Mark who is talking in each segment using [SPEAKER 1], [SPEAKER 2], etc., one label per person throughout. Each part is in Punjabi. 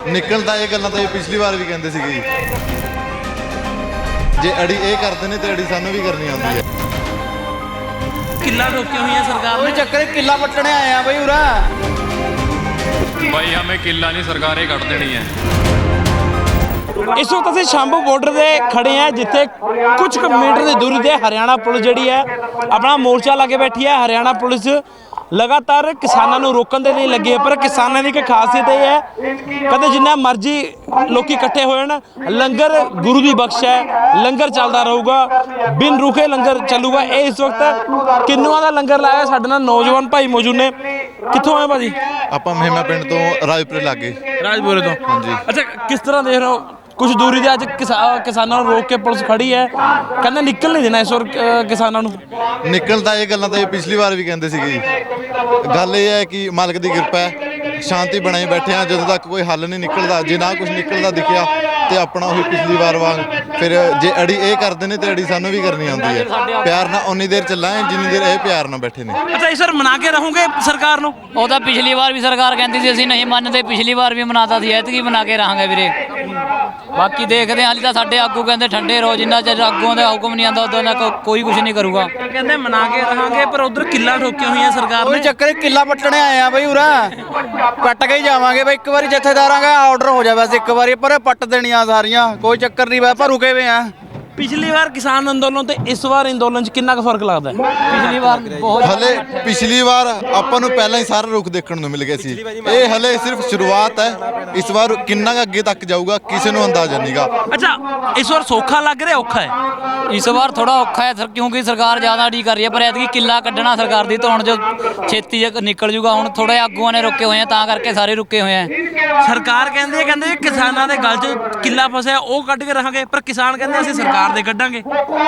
[SPEAKER 1] ਨਿਕਲਦਾ ਇਹ ਗੱਲਾਂ ਤਾਂ ਇਹ ਪਿਛਲੀ ਵਾਰ ਵੀ ਕਹਿੰਦੇ ਸੀਗੇ ਜੀ। ਜੇ ਅੜੀ ਇਹ ਕਰਦੇ ਨੇ ਤੇ ਅੜੀ ਸਾਨੂੰ ਵੀ ਕਰਨੀ ਆਉਂਦੀ ਹੈ।
[SPEAKER 2] ਕਿੱਲਾ ਰੋਕੀਆਂ ਹੋਈਆਂ ਸਰਕਾਰ
[SPEAKER 3] कोई
[SPEAKER 2] ने।
[SPEAKER 3] चक्कर किला पट्टने आए हैं भाई उरा
[SPEAKER 4] भाई हमें किला नहीं सरकारें कट देनी है।
[SPEAKER 2] ਇਸ ਵਕਤ ਅਸੀਂ ਸ਼ੰਭੂ ਬਾਰਡਰ ਦੇ ਖੜੇ ਆ ਜਿੱਥੇ ਕੁਝ ਕੁ ਮੀਟਰ ਦੀ ਦੂਰੀ ਤੇ ਹਰਿਆਣਾ ਪੁਲਿਸ ਜਿਹੜੀ ਹੈ ਆਪਣਾ ਮੋਰਚਾ ਲਾ ਕੇ ਬੈਠੀ ਹੈ। ਹਰਿਆਣਾ ਪੁਲਿਸ ਲਗਾਤਾਰ ਕਿਸਾਨਾਂ ਨੂੰ ਰੋਕਣ ਦੇ ਲਈ ਲੱਗੀ ਹੈ, ਪਰ ਕਿਸਾਨਾਂ ਦੀ ਇੱਕ ਖਾਸੀਅਤ ਇਹ ਹੈ ਕਹਿੰਦੇ ਜਿੰਨਾ ਮਰਜ਼ੀ ਲੋਕੀ ਇਕੱਠੇ ਹੋਏ ਨਾ, ਲੰਗਰ ਗੁਰੂ ਦੀ ਬਖਸ਼ ਹੈ, ਲੰਗਰ ਚੱਲਦਾ ਰਹੂਗਾ, ਬਿਨ ਰੁਕੇ ਲੰਗਰ ਚੱਲੂਗਾ। ਇਹ ਇਸ ਵਕਤ ਕਿੰਨੂਆਂ ਦਾ ਲੰਗਰ ਲਾਇਆ। ਸਾਡੇ ਨਾਲ ਨੌਜਵਾਨ ਭਾਈ ਮੌਜੂਦ ਨੇ। ਕਿੱਥੋਂ ਆਏ ਭਾਜੀ?
[SPEAKER 1] ਆਪਾਂ ਮਹਿਮਾ ਪਿੰਡ ਤੋਂ ਰਾਜਪੁਰੇ ਲਾਗੇ।
[SPEAKER 2] ਰਾਜਪੁਰੇ ਤੋਂ।
[SPEAKER 1] ਹਾਂਜੀ।
[SPEAKER 2] ਅੱਛਾ, ਕਿਸ ਤਰ੍ਹਾਂ ਦੇਖ ਰਹੇ ਹੋ ਕੁਝ ਦੂਰੀ ਦੇ ਅੱਜ ਕਿਸਾਨਾਂ ਨੂੰ ਰੋਕ ਕੇ ਪੁਲਿਸ ਖੜੀ ਹੈ, ਕਹਿੰਦੇ ਨਿਕਲ ਨਹੀਂ ਦੇਣਾ ਇਸ ਵਾਰ ਕਿਸਾਨਾਂ ਨੂੰ।
[SPEAKER 1] ਨਿਕਲਦਾ ਇਹ ਗੱਲਾਂ ਤਾਂ ਇਹ ਪਿਛਲੀ ਵਾਰ ਵੀ ਕਹਿੰਦੇ ਸੀਗੇ ਜੀ। ਗੱਲ ਇਹ ਹੈ ਕਿ ਮਾਲਕ ਦੀ ਕਿਰਪਾ ਹੈ, ਸ਼ਾਂਤੀ ਬਣਾਈ ਬੈਠੇ ਆ। ਜਦੋਂ ਤੱਕ ਕੋਈ ਹੱਲ ਨਹੀਂ ਨਿਕਲਦਾ, ਜੇ ਨਾ ਕੁਝ ਨਿਕਲਦਾ ਦਿਖਿਆ ਤੇ ਆਪਣਾ ਉਹੀ ਪਿਛਲੀ ਵਾਰ ਵਾਂਗ ਫਿਰ ਜੇ ਅੜੀ ਇਹ ਕਰਦੇ ਨੇ ਤੇ ਅੜੀ ਸਾਨੂੰ ਵੀ ਕਰਨੀ ਆਉਂਦੀ ਹੈ। ਪਿਆਰ ਨਾਲ ਉਨੀ ਦੇਰ ਚੱਲਾਂਗੇ ਜਿੰਨੀ ਦੇਰ ਇਹ ਪਿਆਰ ਨਾਲ ਬੈਠੇ ਨੇ।
[SPEAKER 2] ਅੱਛਾ, ਇਸ ਵਾਰ ਮਨਾ ਕੇ ਰਹੋਗੇ ਸਰਕਾਰ ਨੂੰ?
[SPEAKER 5] ਉਹ ਤਾਂ ਪਿਛਲੀ ਵਾਰ ਵੀ ਸਰਕਾਰ ਕਹਿੰਦੀ ਸੀ ਅਸੀਂ ਨਹੀਂ ਮੰਨਦੇ, ਪਿਛਲੀ ਵਾਰ ਵੀ ਮਨਾਤਾ ਸੀ, ਐਤਕੀ ਬਣਾ ਕੇ ਰਹਾਂਗੇ ਵੀਰੇ। ਬਾਕੀ ਦੇਖਦੇ ਹਾਂ, ਹਾਲੇ ਤਾਂ ਸਾਡੇ ਆਗੂ ਕਹਿੰਦੇ ਠੰਡੇ ਰਹੋ, ਜਿੰਨਾ ਚਿਰ ਆਗੂਆਂ ਦਾ ਹੁਕਮ ਨਹੀਂ ਆਉਂਦਾ ਉਦੋਂ ਤੱਕ ਕੋਈ ਕੁਝ ਨਹੀਂ ਕਰੂਗਾ।
[SPEAKER 2] ਕਹਿੰਦੇ ਮਨਾ ਕੇ ਰਹਾਂਗੇ, ਪਰ ਉਧਰ ਕਿੱਲਾ ਠੋਕੀਆਂ ਹੋਈਆਂ ਸਰਕਾਰ
[SPEAKER 3] कोई
[SPEAKER 2] ਨੇ।
[SPEAKER 3] चक्कर किला पट्टने आए हैं भाई उरा पट के ही जावांगे भाई। एक बार जथेदारां का ऑर्डर हो जाए, एक बार पर पट देनियां सारियां, कोई चक्कर नहीं, पर रुके हुए हैं।
[SPEAKER 2] ਪਿਛਲੀ ਵਾਰ ਕਿਸਾਨ ਅੰਦੋਲਨ ਤੇ ਇਸ ਵਾਰ ਅੰਦੋਲਨ 'ਚ ਕਿੰਨਾ ਕੁ ਫਰਕ ਲੱਗਦਾ ਹੈ?
[SPEAKER 5] ਪਿਛਲੀ ਵਾਰ ਬਹੁਤ
[SPEAKER 1] ਹਲੇ ਪਿਛਲੀ ਵਾਰ ਆਪਾਂ ਨੂੰ ਪਹਿਲਾਂ ਹੀ ਸਾਰਾ ਰੁਖ ਦੇਖਣ ਨੂੰ ਮਿਲ ਗਿਆ ਸੀ। ਇਹ ਹਲੇ ਸਿਰਫ ਸ਼ੁਰੂਆਤ ਹੈ। ਇਸ ਵਾਰ ਕਿੰਨਾ ਕੁ ਅੱਗੇ ਤੱਕ ਜਾਊਗਾ ਕਿਸੇ ਨੂੰ ਅੰਦਾਜ਼ਾ ਨਹੀਂਗਾ।
[SPEAKER 2] ਅੱਛਾ, ਇਸ ਵਾਰ ਸੌਖਾ ਲੱਗ ਰਿਹਾ ਔਖਾ ਹੈ?
[SPEAKER 5] ਇਸ ਵਾਰ ਥੋੜਾ ਔਖਾ ਹੈ ਕਿਉਂਕਿ ਸਰਕਾਰ ਜ਼ਿਆਦਾ ਅੜੀ ਕਰ ਰਹੀ ਹੈ, ਪਰ ਐਤਕੀ ਕਿੱਲਾ ਕੱਢਣਾ ਸਰਕਾਰ ਦੀ ਤਾਂ ਹੁਣ ਜੋ ਛੇਤੀ ਨਿਕਲ ਜੂਗਾ। ਹੁਣ ਥੋੜਾ ਆਗੂਆਂ ਨੇ ਰੁਕੇ ਹੋਏ ਆ, ਤਾਂ ਕਰਕੇ ਸਾਰੇ ਰੁਕੇ ਹੋਏ ਆ।
[SPEAKER 2] ਸਰਕਾਰ ਕਹਿੰਦੇ ਕਿਸਾਨਾਂ ਦੇ ਗਲ 'ਚ ਕਿੱਲਾ ਫਸਿਆ ਉਹ ਕੱਢ ਕੇ ਰਹਾਂਗੇ, ਪਰ ਕਿਸਾਨ ਕਹਿੰਦੇ ਅਸੀਂ ਸਰਕਾਰ ਦੇ ਕੱਢਾਂਗੇ।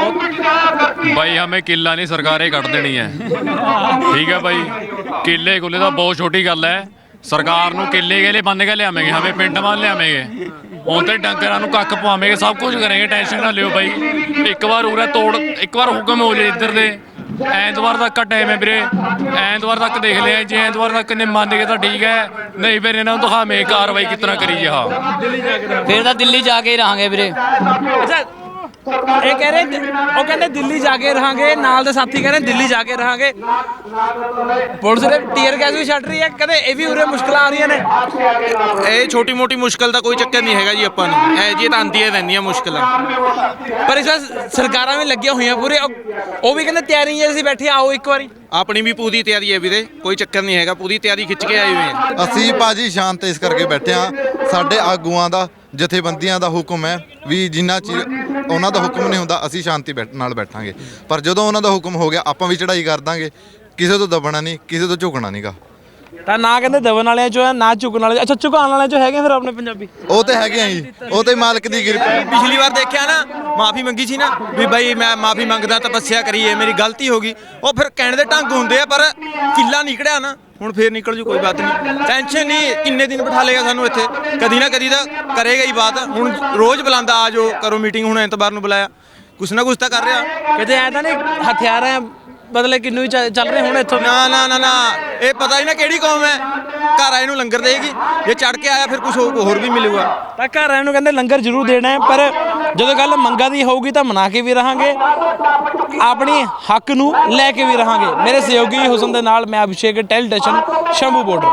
[SPEAKER 4] भाई हमें किला नहीं सरकारें कट देनी है। ठीक है भाई, किले कुले तो बहुत छोटी गल है। सरकार ਨੂੰ ਕਿੱਲੇ ਗੇਲੇ ਬੰਨ ਕੇ ਲਿਆਵਾਂਗੇ, ਹਮੇ ਪਿੰਡ ਮਾਰ ਲਿਆਵਾਂਗੇ, ਹੁਣ ਤੇ ਡੰਗਰਾਂ ਨੂੰ ਕੱਖ ਪਵਾਵਾਂਗੇ, ਸਭ ਕੁਝ ਕਰਾਂਗੇ। ਟੈਨਸ਼ਨ ਨਾ ਲਿਓ ਬਾਈ। ਇੱਕ ਵਾਰ ਉਰੇ ਤੋੜ, ਇੱਕ ਵਾਰ ਹੁਕਮ ਹੋ ਜੇ ਇੱਧਰ ਦੇ। ਐਤਵਾਰ ਤੱਕ ਟਾਈਮ ਹੈ ਵੀਰੇ, ਐਤਵਾਰ ਤੱਕ ਦੇਖ ਲਿਆ। ਜੇ ਐਤਵਾਰ ਤੱਕ ਨੇ ਮੰਨ ਗਏ ਤਾਂ ਠੀਕ ਹੈ, ਨਹੀਂ ਫਿਰ ਇਹਨਾਂ ਨੂੰ ਦਿਖਾਵੇਂ ਕਾਰਵਾਈ ਕਿਸ ਤਰ੍ਹਾਂ ਕਰੀ ਜਾ।
[SPEAKER 5] ਫਿਰ ਤਾਂ ਦਿੱਲੀ ਜਾ ਕੇ ਹੀ ਰਹਾਂਗੇ ਵੀਰੇ।
[SPEAKER 2] ਅੱਛਾ, ਇਹ ਕਹਿ ਰਹੇ ਉਹ ਕਹਿੰਦੇ ਦਿੱਲੀ ਜਾ ਕੇ ਰਹਾਂਗੇ, ਨਾਲ ਦੇ ਸਾਥੀ ਕਹਿੰਦੇ ਦਿੱਲੀ ਜਾ ਕੇ ਰਹਾਂਗੇ। ਪੁਲਿਸ ਨੇ ਟੀਅਰ ਗੈਸ ਵੀ ਛੱਡ ਰਹੀ ਹੈ, ਕਹਿੰਦੇ ਇਹ ਵੀ ਉਰੇ ਮੁਸ਼ਕਲਾਂ ਆ ਰਹੀਆਂ ਨੇ।
[SPEAKER 6] ਇਹ ਛੋਟੀ ਮੋਟੀ ਮੁਸ਼ਕਲ ਦਾ ਕੋਈ ਚੱਕਰ ਨਹੀਂ ਹੈਗਾ ਜੀ। ਆਪਾਂ ਨੂੰ ਇਹ ਜੀ ਤਾਂ ਆਉਂਦੀਆਂ ਰਹਿੰਦੀਆਂ ਮੁਸ਼ਕਲਾਂ,
[SPEAKER 2] ਪਰ ਇਸ ਵਾਰ ਸਰਕਾਰਾਂ ਵੀ ਲੱਗੀਆਂ ਹੋਈਆਂ ਪੂਰੇ। ਉਹ ਵੀ ਕਹਿੰਦੇ ਤਿਆਰੀ ਹੈ, ਅਸੀਂ ਬੈਠੇ ਆਓ ਇੱਕ ਵਾਰੀ।
[SPEAKER 6] ਆਪਣੀ ਵੀ ਪੂਰੀ ਤਿਆਰੀ ਹੈ ਵੀਰੇ, ਕੋਈ ਚੱਕਰ ਨਹੀਂ ਹੈਗਾ। ਪੂਰੀ ਤਿਆਰੀ ਖਿੱਚ ਕੇ ਆਏ ਹੋਏ ਹਾਂ।
[SPEAKER 1] ਅਸੀਂ ਭਾਜੀ ਸ਼ਾਂਤ ਇਸ ਕਰਕੇ ਬੈਠੇ ਹਾਂ, ਸਾਡੇ ਆਗੂਆਂ ਦਾ ਜਥੇਬੰਦੀਆਂ ਦਾ ਹੁਕਮ ਹੈ ਵੀ ਜਿੰਨਾ ਚਿਰ ਉਹਨਾਂ ਦਾ ਹੁਕਮ ਨਹੀਂ ਹੁੰਦਾ ਅਸੀਂ ਸ਼ਾਂਤੀ ਨਾਲ ਬੈਠਾਂਗੇ। ਪਰ ਜਦੋਂ ਉਹਨਾਂ ਦਾ ਹੁਕਮ ਹੋ ਗਿਆ ਆਪਾਂ ਵੀ ਚੜ੍ਹਾਈ ਕਰ ਦਾਂਗੇ। ਕਿਸੇ ਤੋਂ ਦਬਣਾ ਨਹੀਂ, ਕਿਸੇ ਤੋਂ ਝੁਕਣਾ ਨਹੀਂਗਾ।
[SPEAKER 2] ਤਾਂ ਨਾ ਕਹਿੰਦੇ ਦਬਣ ਵਾਲਿਆਂ ਚੋਂ ਹੈ, ਨਾ ਝੁਕਣ ਵਾਲੇ। ਅੱਛਾ, ਝੁਕਾਉਣ ਵਾਲਿਆਂ ਚੋਂ ਹੈਗੇ ਫਿਰ ਆਪਣੇ ਪੰਜਾਬੀ?
[SPEAKER 1] ਉਹ ਤੇ ਹੈਗੇ ਆ ਜੀ, ਉਹ ਤੇ ਮਾਲਕ ਦੀ ਕਿਰਪਾ।
[SPEAKER 6] ਪਿਛਲੀ ਵਾਰ ਦੇਖਿਆ ਨਾ, ਮਾਫੀ ਮੰਗੀ ਸੀ ਨਾ ਵੀ ਬਾਈ ਮੈਂ ਮਾਫੀ ਮੰਗਦਾ, ਤਪੱਸਿਆ ਕਰੀਏ, ਮੇਰੀ ਗਲਤੀ ਹੋ ਗਈ। ਉਹ ਫਿਰ ਕਹਿਣ ਦੇ ਢੰਗ ਹੁੰਦੇ ਆ, ਪਰ ਕਿੱਲਾ ਨਿਕੜਿਆ ਨਾ, ਹੁਣ ਫੇਰ ਨਿਕਲ ਜੂ, ਕੋਈ ਬਾਤ ਨਹੀਂ। ਟੈਨਸ਼ਨ ਨਹੀਂ, ਕਿੰਨੇ ਦਿਨ ਬਿਠਾ ਲੇਗਾ ਸਾਨੂੰ ਇੱਥੇ, ਕਦੀ ਨਾ ਕਦੀ ਤਾਂ ਕਰੇਗਾ ਹੀ ਬਾਤ। ਹੁਣ ਰੋਜ਼ ਬੁਲਾਉਂਦਾ ਆ ਜਾਓ ਕਰੋ ਮੀਟਿੰਗ, ਹੁਣ ਐਤਵਾਰ ਨੂੰ ਬੁਲਾਇਆ, ਕੁਛ ਨਾ ਕੁਛ ਤਾਂ ਕਰ ਰਿਹਾ।
[SPEAKER 2] ਕਿਤੇ ਐ ਤਾਂ ਨਹੀਂ ਹਥਿਆਰਾਂ ਬਦਲੇ ਕਿੰਨੂ ਹੀ ਚੱਲ ਰਹੇ ਹੁਣ ਇੱਥੋਂ?
[SPEAKER 6] ਨਾ ਨਾ ਨਾ ਨਾ, ਇਹ ਪਤਾ ਹੀ ਨਾ ਕਿਹੜੀ ਕੌਮ ਹੈ। ਘਰ ਆਏ ਨੂੰ ਲੰਗਰ ਦੇਗੀ, ਜੇ ਚੜ ਕੇ ਆਇਆ ਫਿਰ ਕੁਝ ਹੋਰ ਵੀ ਮਿਲੂਗਾ।
[SPEAKER 2] ਤਾਂ ਘਰ ਆਏ ਨੂੰ ਕਹਿੰਦੇ ਲੰਗਰ ਜ਼ਰੂਰ ਦੇਣਾ ਹੈ, ਪਰ ਜਦੋਂ ਗੱਲ ਮੰਗਾਂ ਦੀ ਹੋਊਗੀ ਤਾਂ ਮਨਾ ਕੇ ਵੀ ਰਹਾਂਗੇ, ਆਪਣੀ ਹੱਕ ਨੂੰ ਲੈ ਕੇ ਵੀ ਰਹਾਂਗੇ। ਮੇਰੇ ਸਹਿਯੋਗੀ ਹੁਸਨ ਦੇ ਨਾਲ ਮੈਂ ਅਭਿਸ਼ੇਕ, ਟੈਲੀਵਿਜ਼ਨ ਸ਼ੰਭੂ ਬਾਰਡਰ।